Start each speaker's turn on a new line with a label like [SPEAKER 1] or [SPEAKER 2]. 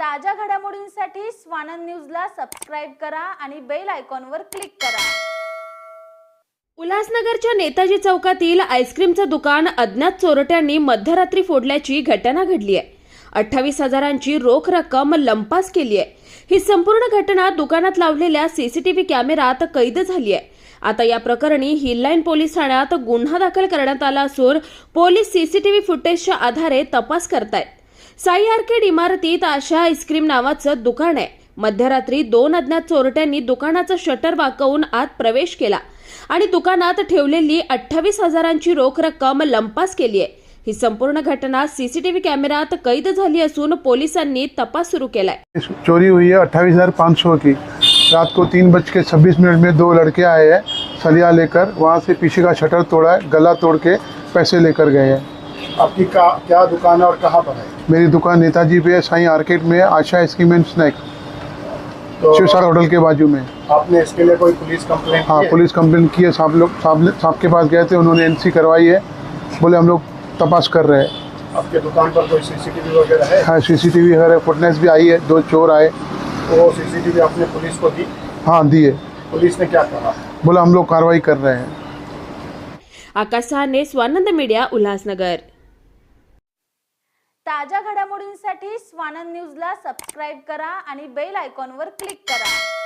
[SPEAKER 1] ताज्या घडामोडींसाठी स्वानंद न्यूजला सबस्क्राइब करा आणि बेल आयकॉनवर क्लिक करा।
[SPEAKER 2] उल्हासनगरच्या नेताजी चौकातील आईस्क्रीमचं दुकान अज्ञात चोरट्यांनी मध्यरात्री फोडल्याची घटना घडली आहे। 28,000ची रोख रक्कम लंपास केली आहे। ही संपूर्ण घटना दुकानात लावलेल्या सीसीटीव्ही कॅमेऱ्यात कैद झाली आहे। आता या प्रकरणी हिललाईन पोलीस ठाण्यात गुन्हा दाखल करण्यात आला असून पोलीस सीसीटीव्ही फुटेजच्या आधारे तपास करतायत। साई आर्केड इमारतीत आशा आईस्क्रीम नावाचं दुकान आहे। मध्यरात्री 2 अज्ञात चोरट्यांनी दुकानाचं शटर वाकवून आत प्रवेश केला आणि दुकानात ठेवलेली 28,000ची रोख रक्कम लंपास केली आहे। ही संपूर्ण घटना सीसीटीव्ही कॅमेऱ्यात कैद झाली असून पोलिसांनी तपास सुरू केलाय।
[SPEAKER 3] चोरी हुई है 28,500 की। रात को 3:26 में 2 लड़के आए हैं सलिया लेकर, वहाँ से पीछे का शटर तोड़ा है, गला तोड़ के पैसे लेकर गए हैं।
[SPEAKER 4] आपकी क्या दुकान है और कहाँ पर है?
[SPEAKER 3] मेरी दुकान नेताजी पे है, साई आर्केड में, आशा आइसक्रीम एंड स्नैक,
[SPEAKER 4] तो
[SPEAKER 3] शिवसार होटल के बाजू में।
[SPEAKER 4] आपने इसके लिए कोई पुलिस कंप्लेंट
[SPEAKER 3] हाँ,
[SPEAKER 4] की है?
[SPEAKER 3] पुलिस कंप्लेंट की है। साहब के पास गए थे, उन्होंने एनसी करवाई है, बोले हम लोग तपास कर रहे हैं।
[SPEAKER 4] आपके दुकान पर कोई सीसीटीवी वगैरह है?
[SPEAKER 3] हाँ, सीसीटीवी है, फुटनेस भी आई है, 2 चोर आए।
[SPEAKER 4] वो सीसीटीवी आपने पुलिस को दी?
[SPEAKER 3] हाँ, दिए।
[SPEAKER 4] पुलिस ने क्या कहा?
[SPEAKER 3] बोला हम लोग कार्रवाई कर रहे हैं।
[SPEAKER 2] आकाश साहने, स्वानंद मीडिया, उल्हासनगर।
[SPEAKER 1] ताज्या घडामोडींसाठी स्वानंद न्यूजला सबस्क्राइब करा आणि बेल आयकॉनवर क्लिक करा।